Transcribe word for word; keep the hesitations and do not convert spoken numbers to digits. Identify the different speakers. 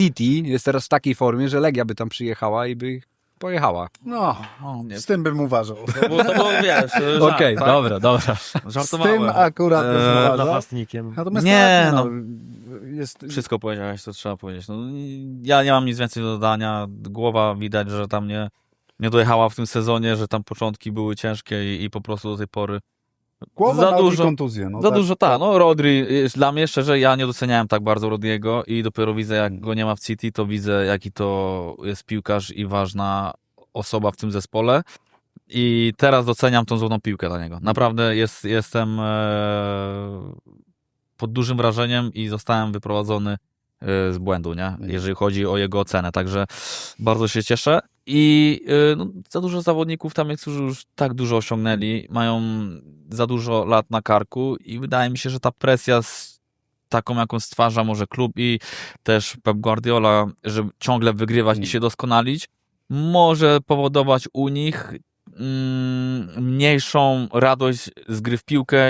Speaker 1: City jest teraz w takiej formie, że Legia by tam przyjechała i by pojechała.
Speaker 2: No,
Speaker 3: O, nie.
Speaker 2: z tym bym uważał.
Speaker 3: To było, to było wiesz, żart,
Speaker 1: Okej,
Speaker 3: tak?
Speaker 1: dobra, dobra.
Speaker 2: Z tym
Speaker 3: Żartowałem.
Speaker 2: akurat bym
Speaker 3: Eee,
Speaker 2: uważał.
Speaker 4: Napastnikiem.
Speaker 2: Natomiast
Speaker 3: Nie,
Speaker 2: tak,
Speaker 3: no.
Speaker 2: Jest,
Speaker 3: Wszystko powiedziałeś, co trzeba powiedzieć. No, ja nie mam nic więcej do dodania. Głowa widać, że tam nie, nie dojechała w tym sezonie, że tam początki były ciężkie i, i po prostu do tej pory
Speaker 2: głowa
Speaker 3: za
Speaker 2: ma
Speaker 3: dużo-
Speaker 2: kontuzję. No,
Speaker 3: za
Speaker 2: tak.
Speaker 3: dużo, tak. No Rodri, jest dla mnie szczerze, ja nie doceniałem tak bardzo Rodriego i dopiero widzę, jak go nie ma w City, to widzę, jaki to jest piłkarz i ważna osoba w tym zespole. I teraz doceniam tą złotą piłkę dla niego. Naprawdę jest, jestem e, pod dużym wrażeniem i zostałem wyprowadzony e, z błędu, nie? Jeżeli chodzi o jego ocenę. Także bardzo się cieszę. I e, no, za dużo zawodników tam jest, którzy już tak dużo osiągnęli, mają za dużo lat na karku i wydaje mi się, że ta presja z taką, jaką stwarza może klub i też Pep Guardiola, żeby ciągle wygrywać i się doskonalić, może powodować u nich mm, mniejszą radość z gry w piłkę